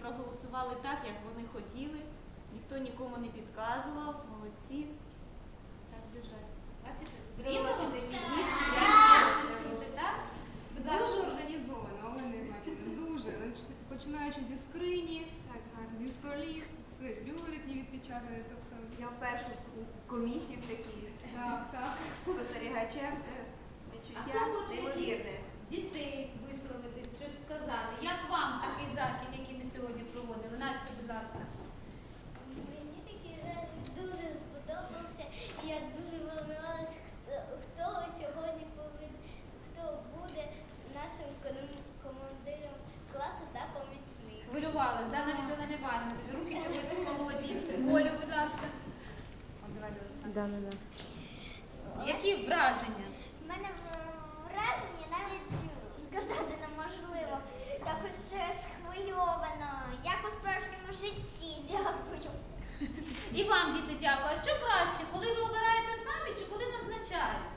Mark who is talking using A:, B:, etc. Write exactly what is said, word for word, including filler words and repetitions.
A: проголосували так, як вони хотіли. Ніхто нікому не підказував. Молодці. Так держать.
B: Бачите, приємно такі дітки, як чути, так? Будь
C: Дуже
B: ласка.
C: організовано, Олена Іванівна, дуже. Починаючи зі скрині, зі столів, все, бюлетні відпечатані, тобто...
D: Я вперше в комісії в такій
C: Так, так.
D: спостерігачем, це
B: А
D: відчуття
B: хто хоче
D: неймовірне.
B: із дітей висловити, щось сказати? Як вам такий захід, який ми сьогодні проводили? Настя, будь ласка.
E: Мені такий захід дуже сподобався, і я дуже волновалася, хто, хто сьогодні повинен, хто буде нашим кон- командиром класу та помічником.
B: Хвилювалась, да, навіть вона не варена. Руки чогось холодні. Олю, будь ласка. О, давайте, Олександр. Які враження?
E: У мене враження навіть сказати неможливо. Так ось схвильовано, як у справжньому житті. Дякую.
B: І вам, діти, дякую. А що краще, коли ви обираєте самі чи коли назначають?